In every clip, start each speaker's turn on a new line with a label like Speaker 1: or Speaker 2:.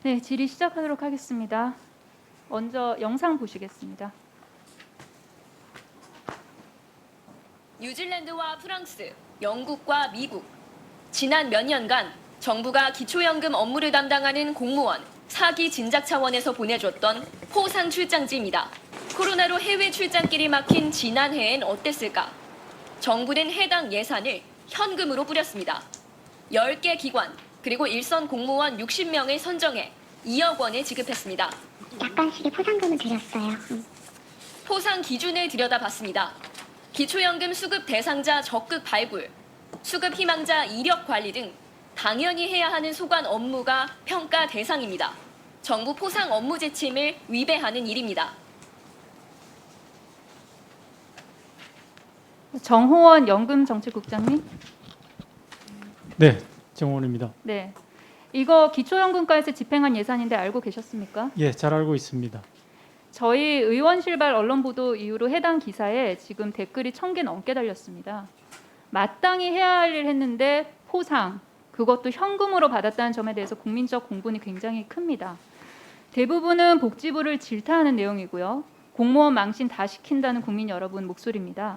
Speaker 1: 네, 질의 시작하도록 하겠습니다. 먼저 영상 보시겠습니다.
Speaker 2: 뉴질랜드와 프랑스, 영국과 미국. 지난 몇 년간 정부가 기초연금 업무를 담당하는 공무원, 사기 진작 차원에서 보내줬던 포상 출장지입니다. 코로나로 해외 출장길이 막힌 지난해엔 어땠을까? 정부는 해당 예산을 현금으로 뿌렸습니다. 10개 기관, 그리고 일선 공무원 60명을 선정해 2억 원을 지급했습니다.
Speaker 3: 약간씩의 포상금을 드렸어요.
Speaker 2: 포상 기준을 들여다봤습니다. 기초연금 수급 대상자 적극 발굴, 수급 희망자 이력 관리 등 당연히 해야 하는 소관 업무가 평가 대상입니다. 정부 포상 업무 지침을 위배하는 일입니다.
Speaker 1: 정호원 연금정책국장님.
Speaker 4: 네, 정원입니다.
Speaker 1: 네, 이거 기초연금과에서 집행한 예산인데 알고 계셨습니까?
Speaker 4: 예, 잘 알고 있습니다.
Speaker 1: 저희 의원실발 언론 보도 이후로 해당 기사에 지금 댓글이 1000개 넘게 달렸습니다. 마땅히 해야 할 일 했는데 포상, 그것도 현금으로 받았다는 점에 대해서 국민적 공분이 굉장히 큽니다. 대부분은 복지부를 질타하는 내용이고요. 공무원 망신 다 시킨다는 국민 여러분 목소리입니다.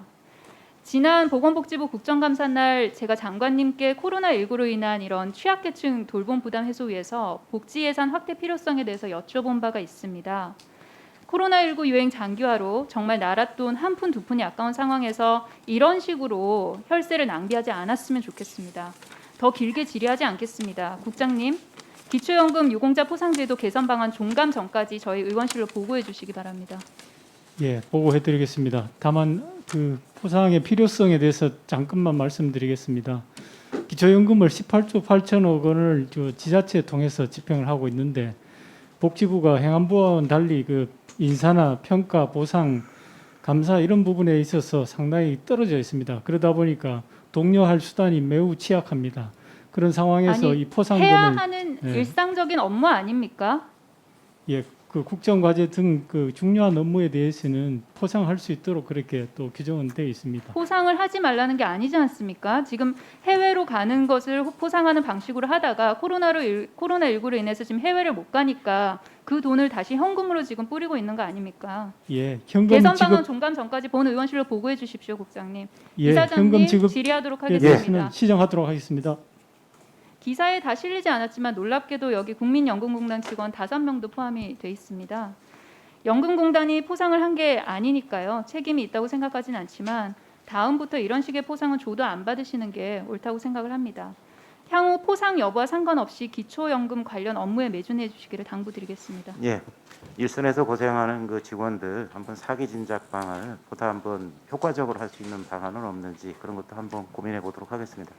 Speaker 1: 지난 보건복지부 국정감사 날 제가 장관님께 코로나19로 인한 이런 취약계층 돌봄 부담 해소 위해서 복지 예산 확대 필요성에 대해서 여쭤본 바가 있습니다. 코로나19 유행 장기화로 정말 나라 돈 한 푼 두 푼이 아까운 상황에서 이런 식으로 혈세를 낭비하지 않았으면 좋겠습니다. 더 길게 질의하지 않겠습니다. 국장님, 기초연금 유공자 포상제도 개선 방안 종감 전까지 저희 의원실로 보고해 주시기 바랍니다.
Speaker 4: 예, 보고해드리겠습니다. 다만 그 포상의 필요성에 대해서 잠깐만 말씀드리겠습니다. 기초연금을 18조 8천억 원을 지자체 통해서 집행을 하고 있는데 복지부가 행안부와는 달리 그 인사나 평가, 보상, 감사 이런 부분에 있어서 상당히 떨어져 있습니다. 그러다 보니까 독려할 수단이 매우 취약합니다. 그런 상황에서
Speaker 1: 아니,
Speaker 4: 이 포상금을
Speaker 1: 해야 하는
Speaker 4: 네.
Speaker 1: 일상적인 업무 아닙니까?
Speaker 4: 예, 그 국정과제 등 그 중요한 업무에 대해서는 포상할 수 있도록 그렇게 또 규정은 되어 있습니다.
Speaker 1: 포상을 하지 말라는 게 아니지 않습니까? 지금 해외로 가는 것을 포상하는 방식으로 하다가 코로나19로 인해서 지금 해외를 못 가니까 그 돈을 다시 현금으로 지금 뿌리고 있는 거 아닙니까?
Speaker 4: 예, 현금
Speaker 1: 개선
Speaker 4: 지급
Speaker 1: 방안 종감 전까지 본 의원실로 보고해 주십시오, 국장님.
Speaker 4: 예,
Speaker 1: 이사장님
Speaker 4: 현금 지급
Speaker 1: 질의하도록
Speaker 4: 에
Speaker 1: 하겠습니다.
Speaker 4: 대해서는 시정하도록 하겠습니다.
Speaker 1: 기사에 다 실리지 않았지만 놀랍게도 여기 국민연금공단 직원 5명도 포함이 돼 있습니다. 연금공단이 포상을 한 게 아니니까요. 책임이 있다고 생각하진 않지만 다음부터 이런 식의 포상은 줘도 안 받으시는 게 옳다고 생각을 합니다. 향후 포상 여부와 상관없이 기초연금 관련 업무에 매진해 주시기를 당부드리겠습니다.
Speaker 5: 예, 일선에서 고생하는 그 직원들 한번 사기 진작 방안을 보다 한번 효과적으로 할 수 있는 방안은 없는지 그런 것도 한번 고민해 보도록 하겠습니다.